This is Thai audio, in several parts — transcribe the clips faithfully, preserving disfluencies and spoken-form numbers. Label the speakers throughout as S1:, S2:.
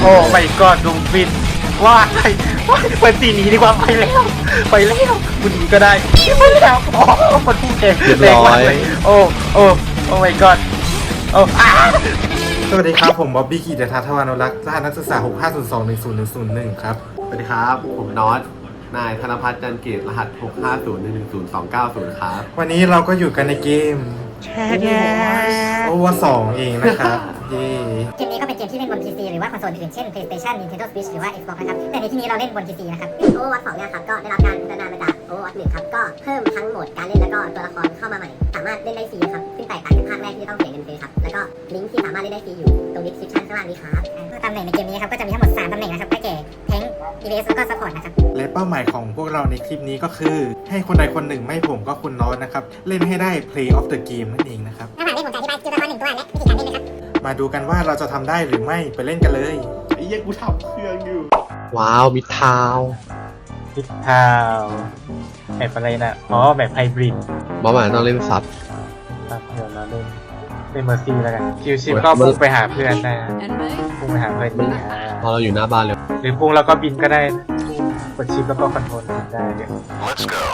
S1: โอ้ไม่ก็ดุงบินว่าไปไปตีหนีดีกว่าไปแล้วไปแล้วกูหนีก็ได้ไปแล้วอ๋อมันพุ่งเองเรียบร้อยโอ้โอ้โอ้ไม่ก็โอ้อาสวัสดีครับผมบ๊อบบี้กีเดชทัศน์ทวานุรักษ์รหัสนักศึกษาหกห้าศูนย์สองหนึ่งศูนย์หนึ่งศูนย์หนึ่งครับ
S2: สวัสดีครับผมน็อตนายธนพัฒน์จันเกตรหัสหกห้าศูนย์หนึ่งหนึ่งศูนย์สองเก้าศูนย์ครับ
S1: วันนี้เราก็อยู่กันในเกมโอเวอร์สองเองนะครับเย่
S3: เกมนี้ก็เป็นเกมที่เล่นบน พี ซี หรือว่าคอนโซลอื่นเช่น PlayStation Nintendo Switch หรือว่า Xbox นะครับแต่ในที่นี้เราเล่นบน พี ซี นะครับ Overwatch สองเนี่ยครับก็ได้รับการพัฒนามาจาก Overwatch หนึ่งครับก็เพิ่มทั้งโหมดการเล่นแล้วก็ตัวละครเข้ามาใหม่สามารถเล่นได้ฟรีนะครับซึ่งแตกต่างจากภาคแรกที่ต้องเสียเงินซื้อครับแล้วก็ลิงก์ที่สามารถเล่นได้ฟรีอยู่ตรง description ข้างล่างนี้ครับตำแหน่งในเกมนี้ครับก็จะมีทั้งหมดสามตำแหน่งนะครับได้แก่ Tank อี วี เอส แล้วก็ Support นะครับ
S1: และเป้าหมายของพวกเราในคลิปนี้ก็คือให้คนใดคนหนึ่งไม่ผมก็คุณน็อตนะครับเล่นให้ได้ Play of the Game นั่นเองนะครับ
S3: ระหว่างนี้ผมจะอธิบายตัวละครหนึ่งตัวและวิธีการเล่นนะครับ
S1: มาดูกันว่าเราจะทำได้หรือไม่ไปเล่นกันเลย
S2: ไอ้เหี้ยกูทำเครื่องอยู่
S4: ว้าวมิดทาว
S1: มิดทาวแบบอะไรนะอ๋อแบบไฮบริด
S4: บอสหมายต้องเล่นซับ
S1: ครับเดี๋ยวเราเล่นเล่นเมอร์ซี่แล้วกันคิวชิปก็พุ่งไปหาเพื่อนได้พุ่งไปหาเพื่อนดี
S4: พอเราอยู่หน้าบ้านเลย
S1: หรือพุ่งแล้วก็บินก็ได้กดชิปแล้วก็คอนโทรลได้เดี๋ยว Let's go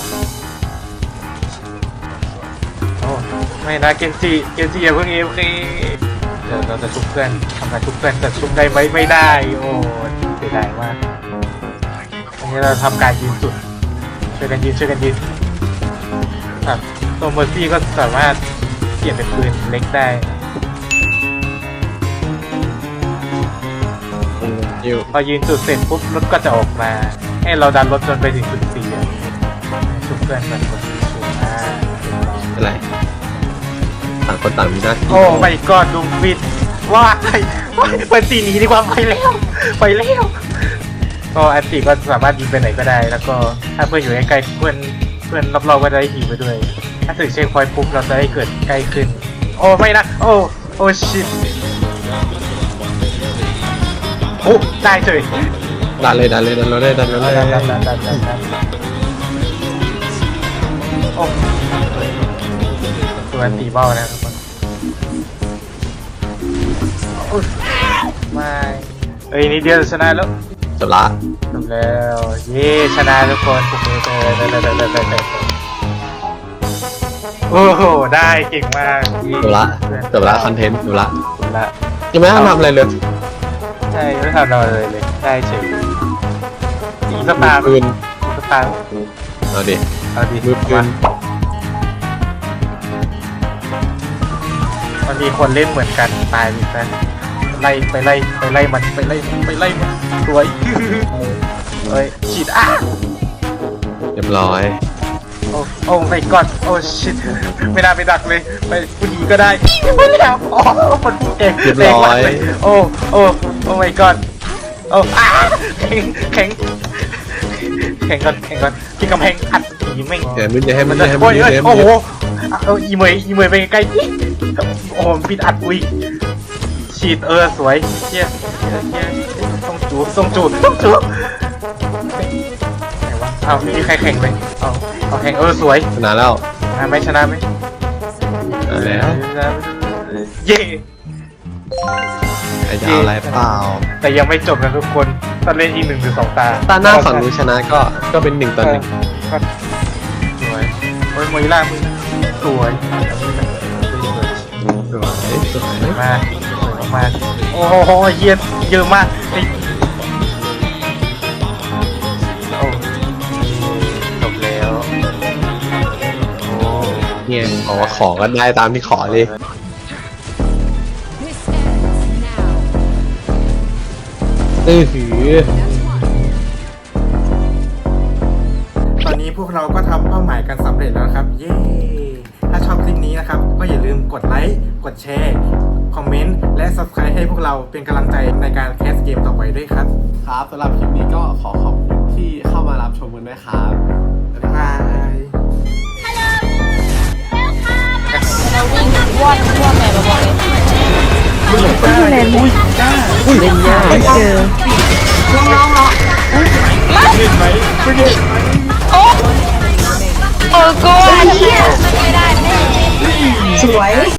S1: โอ้ไม่นะเกนจิเกนจิอย่าเพิ่งเอฟซีเดี๋ยวเราจะชุบเพื่อนทำไมชุบเพื่อนจะชุบได้ไหมไม่ได้โอ้เสียดายมากอันนี้เราทำการยืนสุดช่วยกันยืนช่วยกันยืนครับตัวเมอร์ซี่ก็สามารถเปลี่ยนเป็นปืนเล็กได้พอยืนจุดเสร็จปุ๊บรถก็จะออกมาให้เราดันรถจนไปถึงจุดสี่ชุบเพื่อนมันคนชุบมา
S4: อะไรต่างคนต่างมีหน้าที่
S1: โอ้ไม่ก็ดุงบินว่าไปไปตีหนีดีกว่าไปแล้วไปแล้วก็อันตีก็สามารถยิงไปไหนก็ได้แล้วก็ถ้าเพื่อนอยู่ใกล้ๆเพื่อนเพื่อนรอบๆก็จะได้หิวไปด้วยถ้าถึงเช็คพอยต์ปุ๊บเราจะได้เกิดใกล้ขึ้นโอ้ไม่นะโอ้โอ้ชิตโอ้ได้เฉย
S4: ดันเลยดันเลยดันเลยดันเลยดันดันดันดันดันดัน
S1: โอ้ตัวตีเบ้านะทุกคนไม่เอ้ยนี่เดียวชนะแล้ว
S4: จบละ
S1: จบแล้วเย้ชนะทุกคนถูกมือเลยได้ได้ได้ได้ได้โอ้โหได้เก่งมาก
S4: จบละจบละคอนเทนต์จบละ
S1: จบละ
S4: ยังไม่ต้องทำอะไรเลย
S1: ใช่ไม่ทำอะไรเลยเลยได้เฉยอีสตาร์
S4: ปืน
S1: สตาร์
S4: เอาดิ
S1: เอาดิ
S4: มือปืน
S1: มันมีคนเล่นเหมือนกันตายไปซะไล่ไปไล่ไปไล่มันไปไล่ไปไล่มันสวยเฮ้ยฉีดอ่ะ
S4: เรียบร้อย
S1: โอ้โอ้ไม่กอดโอ้ชิตไม่น่าไปดักเลยไปผู้ดีก็ได้ไม่แล้วอ๋อมันพูดเอง
S4: เรียบร้อย
S1: โอ้โอ้โอ้ไม่กอดโอ้อ่ะแข็งแข็งแข่งก่อนแข่งก่อนที่กำแพงอัดผีไม่
S4: เดี๋ยวมึงจะให้มัน
S1: จะให้มันโอ้โหเอออีเมย์อีเมย์ไปใกล้โอ้โหปิดอัดอุ้ยฉีดเออสวยเชี่ยเชี่ยต้องจูบต้องจูบต้องจูบไหนวะอ้าวมีใครแข่งไปเอาเอาแข่งเออสวย
S4: ชนะแล้ว
S1: ชนะไหมชนะไหม
S4: แล้ว
S1: เย่
S4: ไอ้จะเอาอะไรเปล่า
S1: แต่ยังไม่จบนะทุกคนต้องเล่นอีกหนึ่งหรือสองตา
S4: ตาหน้าฝั่งนู้นชนะก็ก็เป็นหนึ่งต่อหนึ่ง
S1: สวยโอ้ยมวยล่ามึงสวย
S4: สวยสวย
S1: มากสวยมากโอ้โหเยอะเยอะมากโอ้จบแล้วโอ้
S4: เนี่ยบอกว่าขอกันได้ตามที่ขอเลยเออหือ
S1: ตอนนี้พวกเราก็ทำเป้าหมายกันสำเร็จแล้วครับเย้ถ้าชอบคลิปนี้นะครับก็อย่าลืมกดไลค์กดแชร์คอมเมนต์และ ซับสไครบ์ ให้พวกเราเป็นกำลังใจในการแคสเกมต่อไปด้วยครับ
S2: ครับสำหรับคลิปนี้ก็ขอขอบคุณที่เข้ามารับชมกันด้วยครับ
S1: บ๊ายบาย
S5: เราวิ่งวอดวอดแม่ระวังเลย
S1: อุ้ยแมนอุ้ยจ้าอุ้ยเล่นยากไม่เจอ
S5: น้องน้องเนาะ
S1: เล่นไหมไม่เล่น
S5: โอ้โอ้กูไม่ได้สวย